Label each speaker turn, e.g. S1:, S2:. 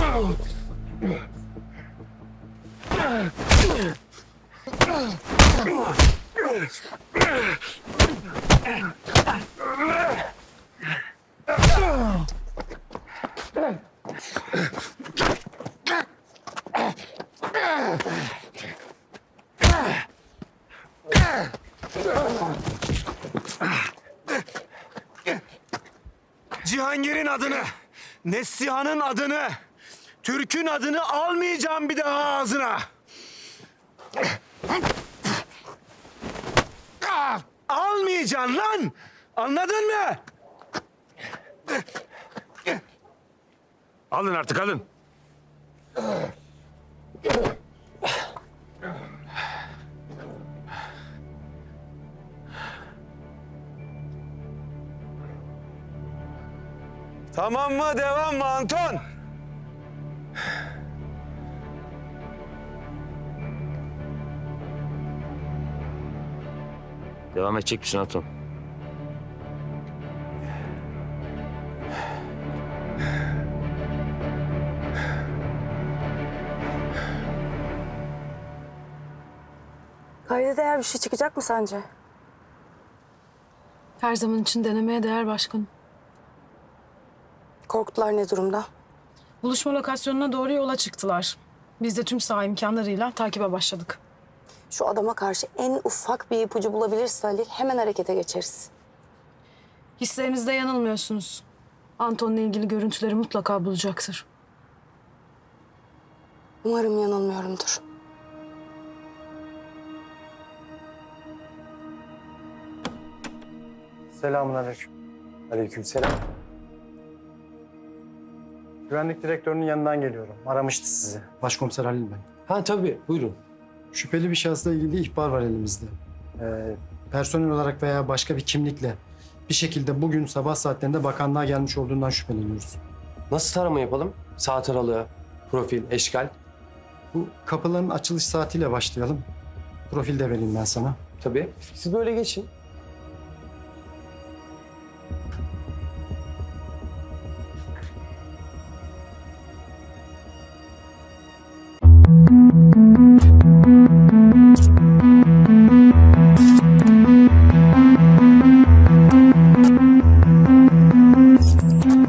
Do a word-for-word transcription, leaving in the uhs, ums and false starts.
S1: Cihangir'in adını, Neslihan'ın adını, Türk'ün adını almayacağım bir daha ağzına. Almayacaksın lan! Anladın mı? Alın artık, alın. Tamam mı? Devam mı Anton?
S2: Devam edecek misin Anton?
S3: Kayda değer bir şey çıkacak mı sence?
S4: Her zaman için denemeye değer başkanım.
S3: Korkutlar ne durumda?
S4: Buluşma lokasyonuna doğru yola çıktılar. Biz de tüm saha imkanlarıyla takibe başladık.
S3: Şu adama karşı en ufak bir ipucu bulabilirse Halil hemen harekete geçeriz.
S4: Hislerinizde yanılmıyorsunuz. Anton'la ilgili görüntüleri mutlaka bulacaktır.
S3: Umarım yanılmıyorumdur.
S5: Selamünaleyküm. Aleykümselam. Güvenlik direktörünün yanından geliyorum. Aramıştı sizi. Başkomiser Halil ben.
S6: Ha tabii, buyurun.
S5: Şüpheli bir şahısla ilgili ihbar var elimizde. Ee, personel olarak veya başka bir kimlikle bir şekilde bugün sabah saatlerinde bakanlığa gelmiş olduğundan şüpheleniyoruz.
S6: Nasıl tarama yapalım? Saat aralığı, profil, eşkal.
S5: Bu kapıların açılış saatiyle başlayalım. Profil de vereyim ben sana.
S6: Tabii. Siz böyle geçin.